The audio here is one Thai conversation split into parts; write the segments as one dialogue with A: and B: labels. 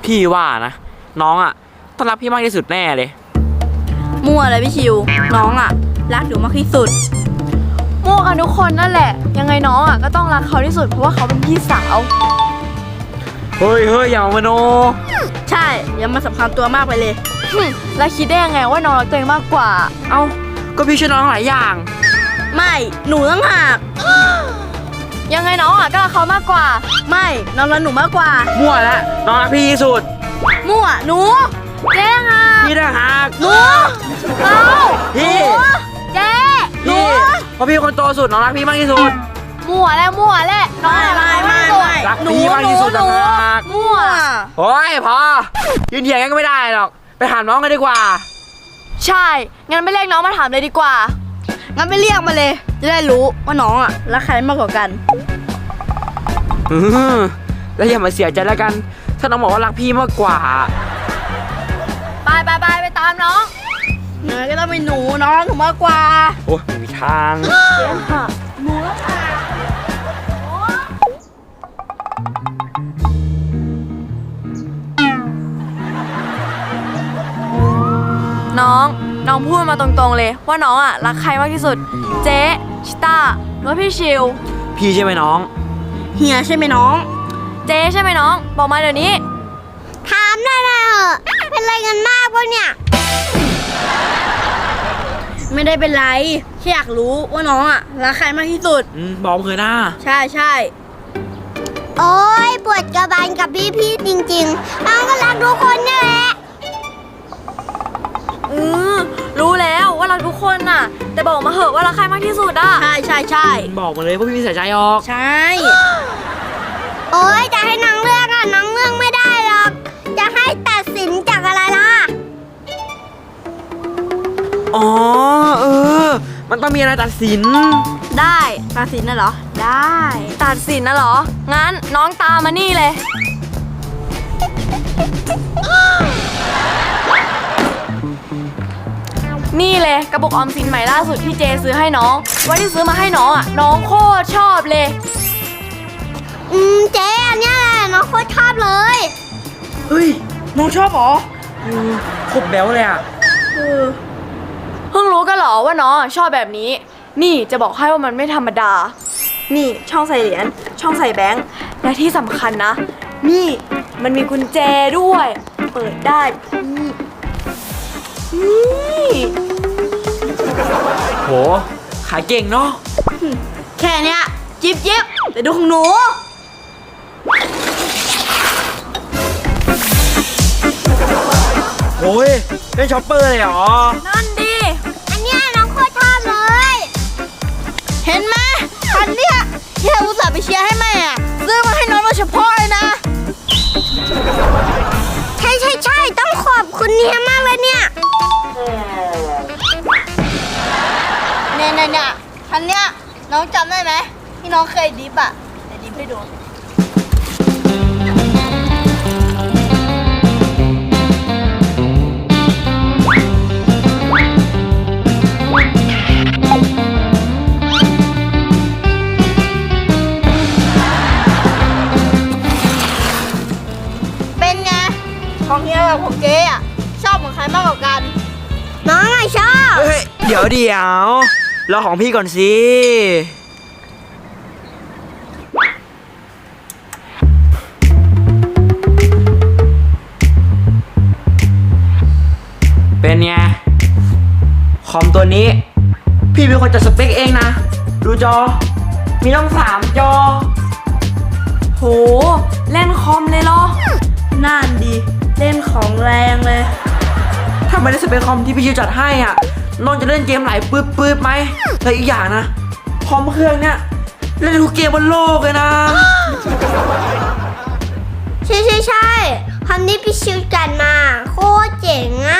A: พี่ว่านะน้องอ่ะต้องรักพี่มากที่สุดแน่เลย
B: มั่วเลยพี่ชิวน้องอ่ะรักหนูมากที่สุด
C: มั่วกันทุกคนนั่นแหละยังไงน้องอ่ะก็ต้องรักเขาที่สุดเพราะว่าเขาเป็นพี่สาว
A: เฮ้ยอย่ามโน
B: ใช่อย่ามาสำคัญตัวมากไปเลย
C: แล้วคิดได้ยังไงว่าน้องรักตัวเองมากกว่า
A: เอ้าก็พี่ช่วยน้องหลายอย่าง
B: ไม่หนูต้องหัก
C: ยังไงน้องอ่ะก็รักเขามากกว่า
B: ไม่น้องรักหนูมากกว่า
A: มั่วแล้วน้องรักพี่ที่สุด
B: มั่วหนู
C: เจ๊หัก
A: พี่ได้หัก
B: หนู
C: เรา
A: พี่
C: เจ๊
A: พี่เพราะพี่คนโตสุดน้องรักพี่มากที่สุด
C: มั่วแล้วน้อง
B: ไม่
A: รักพี่มากที่สุดต่างหาก
C: มั่ว
A: โอ้ยพอยืนเถียงกันก็ไม่ได้หรอกไปถามน้องกันดีกว่า
C: ใช่งั้นไม่เรียกน้องมาถามเลยดีกว่า
B: งั้นไปเรียกมาเลยจะได้รู้ว่าน้องอ่ะรักใครมากกว่ากัน
A: แล้วอย่ามาเสียใจแล้วกันถ้าน้องบอกว่ารักพี่มากกว่า
C: ไปตามน้อง
B: เนยก็ต้องเป็นหนูน้องรักหนูมากกว่า
A: โอ้ยไม่มีทาง
B: เจ๊ค่ะหนู
C: น้องพูดมาตรงๆเลยว่าน้องอ่ะรักใครมากที่สุดเจ๊ชิต้าหรือว่าพี่ชิว
A: พี่ใช่ไหมน้อง
B: เฮียใช่ไหมน้อง
C: เจ๊ใช่ไหมน้องบอกมาเดี๋ยวนี้
B: ถามได้เลยเป็นไรกันมากวะเนี่ยไม่ได้เป็นไรแค่อยากรู้ว่าน้องอ่ะรักใครมากที่สุด
A: บอกเคยนะ
B: ใช่โอ้ยปวดกระบาลกับพี่จริงๆน้องก็รักทุกคนนี่แหละ
C: รู้แล้วว่ารักทุกคนน่ะแต่บอกมาเหอะว่ารักใครมากที่สุดอ่ะ
B: ใช่
A: บอกมาเลยเพราะพี่มีสายใจออก
B: ใช่โอ้ยจะให้น้องเลือกอ่ะน้องเลือกไม่ได้หรอกจะให้ตัดสินจากอะไรล่ะ
A: อ๋อมันต้องมีอะไรตัดสิน
B: ได้ตัดสินน่ะเหรอได้
C: ตัดสินนะเหรองั้นน้องตามมานี่เลยนี่เลยกระปุกออมสินใหม่ล่าสุดที่เจซื้อให้น้องวันที่ซื้อมาให้น้องอ่ะน้องโคตรชอบเลย
B: เจ๊อันเนี้ยน้องโคตรชอบเลย
A: เฮ้ยน้องชอบเหรอโคตรแบ๊วเลยอ่ะ
C: เพิ่งรู้กันเหรอว่าน้องชอบแบบนี้นี่จะบอกให้ว่ามันไม่ธรรมดานี่ช่องใส่เหรียญช่องใส่แบงค์และที่สำคัญนะนี่มันมีกุญแจด้วยเปิดได้นี่
A: โหขายเก่งเนาะ
B: แค่เนี้ยจิ๊บแต่ดูของหนู
A: โอ้ยเล่นช็อปเปอร์เลยเหรอ
C: นั่นดิ
B: อันเนี้ยน้องโคตรชอบเลยเห็นไหมคันเนี้ยที่เราอุตส่าห์ไปเชียร์ให้แม่ซื้อมาให้น้องโดยเฉพาะเลยนะใช่ต้องขอบคุณเฮียมากเลยเนี่ยคันเนี้ยน้องจำได้ไหมที่น้องเคยดิฟอ่ะแต่ดิฟให้ดูเป็นไงของเฮียกับของเจ๊อ่ะชอบของใครมากกว่ากันน้องไงชอบ
A: เฮ้ยเดี๋ยวรอของพี่ก่อนสิเป็นไงคอมตัวนี้พี่เป็นคนจัดสเปคเองนะดูจอมีต้อง3 จอ
C: โหเล่นคอมเลยเหรอ
B: นั่นดีเล่นของแรงเลย
A: ถ้าไม่ได้สเปคคอมที่พี่ชิวจัดให้อ่ะน้องจะเล่นเกมไหลปื๊ดไหมแต่อีกอย่างนะคอมเครื่องเนี้ยเล่นทุกเกมบนโลกเลยนะ
B: ใช่คอมนี้พี่ชิวจัดมาโคตรเจ๋งอ่ะ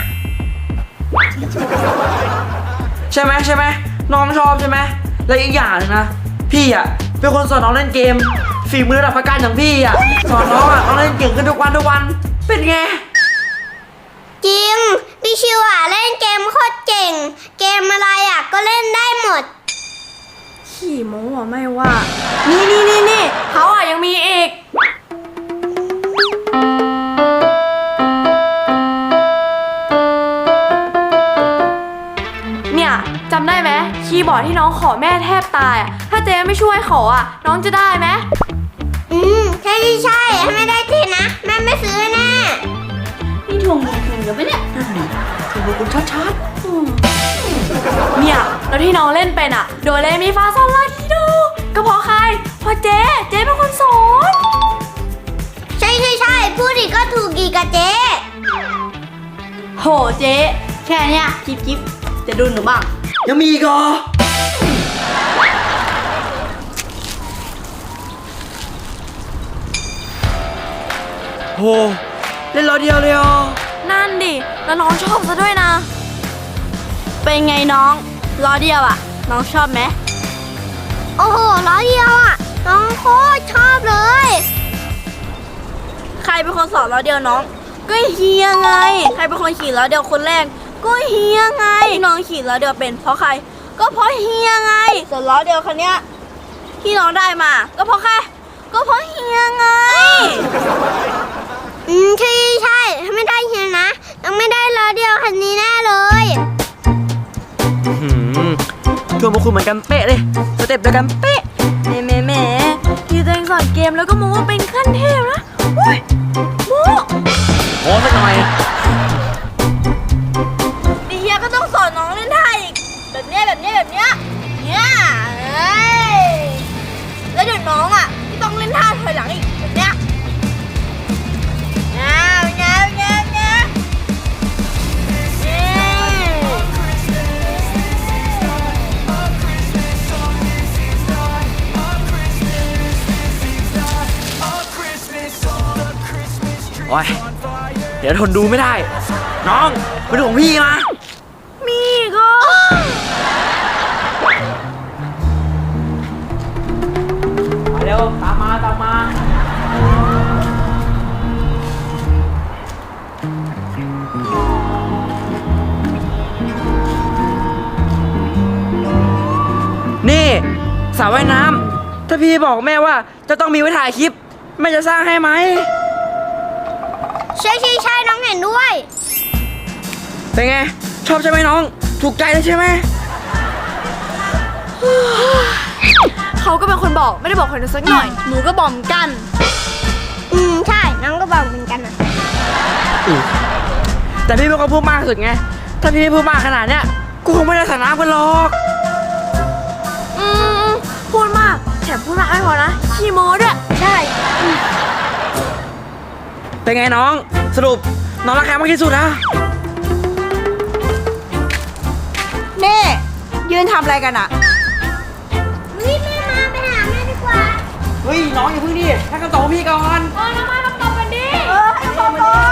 A: ใช่ไหมน้องชอบใช่ไหมและอีกอย่างนึงนะพี่อ่ะเป็นคนสอนน้องเล่นเกมฝีมือระดับประการอย่างพี่อ่ะสอนน้องอ่ะน้องเล่นเก่งขึ้นทุกวันเป็นไง
B: จริงพี่ชิวอ่ะเล่นเกมโคตรเก่งเกมอะไรอ่ะก็เล่นได้หมด
C: ขี่โม้ไม่ว่านี่เขาอ่ะยังมีอีกบอร์ดที่น้องขอแม่แทบตายอะถ้าเจ๊ไม่ช่วยขออะน้องจะได้ไหม
B: ใช่ถ้าไม่ได้ทีนะแม่ไม่ซื้อแน่นี่ทวงเงินคืนเดี๋ยวปะเนี่ย
A: ถูกคุณชัด
C: เนี่ยแล้วที่น้องเล่นเป็นอะโดเรมีฟาซอลลาทีโดก็เพราะใครเพราะเจ๊เป็นคนสอน
B: ใช่พูดอีกก็ถูกอีกอะเจ๊
C: โหเจ๊แค่เนี้ยจิ๊บจะดูหนูบ้าง
A: ๆยังมีอีกเหรอโหเล่นล้อเดียวเลยอ่ะ
C: นั่นดิ แล้วน้องชอบซะด้วยนะ เป็นไงน้องล้อเดียวอะน้องชอบไหม
B: โอ้โหล้อเดียวอะน้องโคตรชอบเลย
C: ใครเป็นคนสอนล้อเดียวน้อง ก็เฮียไง ใครเป็นคนขี่ล้อเดียวคนแรก ก็เฮียไงที่น้องขี่ล้อเดียวเป็นเพราะใคร ก็เพราะเฮียไง ส่วนล้อเดียวคันเนี้ยที่น้องได้มา ก็เพราะใคร ก็เพราะเฮียไง
B: ใช่ถ้าไม่ได้เฮียนะต้องไม่ได้ล้อเดียวคันนี้แน่เลย
A: ทวงพวกคุณเหมือนกันเป๊ะเลยสเต็ปเดียวกันเป๊ะ
C: แหมที่ตัวเองสอนเกมแล้วก็มูว่าเป็นขั้นเทพนะอุ้ยมู
A: โอ้สักหน่อย
C: ดิเฮียก็ต้องสอนน้องเล่นท่าอีกแบบเนี้ยเนี่ยเอ้ยแล้วเดี๋ยวน้องอ่ะต้องเล่นท่าถอยหลังอีกแบบเนี้ยเงี้ย
A: โอ้ยเดี๋ยวทนดูไม่ได้ น้องมาดูของพี่มา
C: มีก็
A: มาเร็วตามมานี่สระว่ายน้ำถ้าพี่บอกแม่ว่าจะต้องมีไว้ถ่ายคลิปแม่จะสร้างให้ไหม
B: ใช่น้องเห็นด้วย
A: เป็นไง ชอบใช่ไหมน้อง ถูกใจเลยใช่ไหม
C: เขาก็เป็นคนบอกไม่ได้บอกคนสักหน่อยหนูก็บอกเหมือนกัน
B: ใช่น้องก็บอกเหมือนกันนะ
A: แต่พี่เป็นคนพูดมากสุดไง ถ้าพี่ไม่พูดมากขนาดเนี้ยกูคงไม่ได้สระน้ำกันหรอก
C: พูดมากแถมพูดมากไม่พอนะขี้โม้ด้วย
B: ใช่
A: เป็นไงน้อง สรุปน้องรักใครมากที่สุดนะ
C: เน่ยืนทำอะไรกันอะ
B: แม่มาไปหาแม่ดีกว่า
A: เฮ้ยน้องอย่าเพิ่งดิให้คำตอบพี่ก่อน
C: น้ำมาตอบกันดิ
A: ให้คำตอบก่อน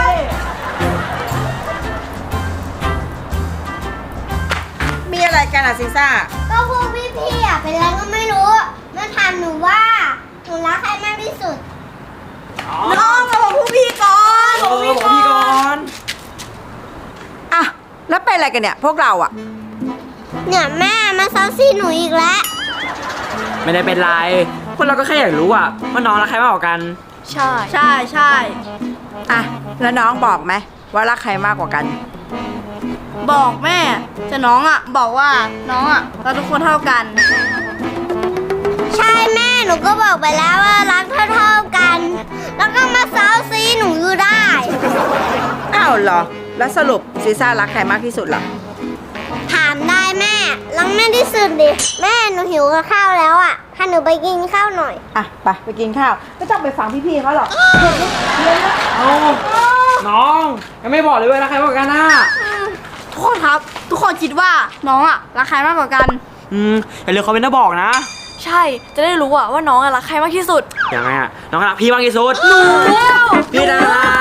D: มีอะไรกันอะซิซ่า
B: ก็พวกพี่อะเป็นอะไรก็ไม่รู้มาถามหนูว่าหนูรักใครมากที่สุด
C: น้องมาบอกผู้พี่ก่อน
A: บอกพี่ก่อน
D: อ่ะ แล้วเป็นอะไรกันเนี่ย พวกเราอะ
B: เนี่ยแม่มาเซาซีหนูอีกแล้ว
A: ไม่ได้เป็นไรพวกเราก็แค่อยากรู้อะว่าน้องรักใครมากกว่ากัน
C: ใช่
D: อ่ะ แล้วน้องบอกไหมว่ารักใครมากกว่ากัน
C: บอกแม่แต่น้องอะบอกว่าน้องอะเราทุกคนเท่ากัน
B: ใช่แม่หนูก็บอกไปแล้วว่ารักเท่าๆกัน แล้วก็มาเซาซีหนูอยู่ได้
D: อ้าวเหรอ แล้วสรุปซิซ่ารักใครมากที่สุดล่ะ
B: ถามได้แม่รักแม่ที่สุดดิแม่หนูหิวกับข้าวแล้วอ่ะพาหนูไปกินข้าวหน่อย
D: อ่ะ ไปกินข้าว ไม่ต้องไปฟังพี่ๆเขาหรอก
A: เอาน้องยังไม่บอกเลยว่ารักใครมากกว่ากันนะ
C: ทุกคนครับ ทุกคนคิดว่าน้องอะรักใครมากกว่ากัน
A: อย่าลืมคอมเมนต์มาบอกนะ
C: ใช่จะได้รู้อะว่าน้องอะรักใครมากที่สุด
A: ยังไงอะน้องรักพี่มากที่สุด
C: หนู
A: พี่นะ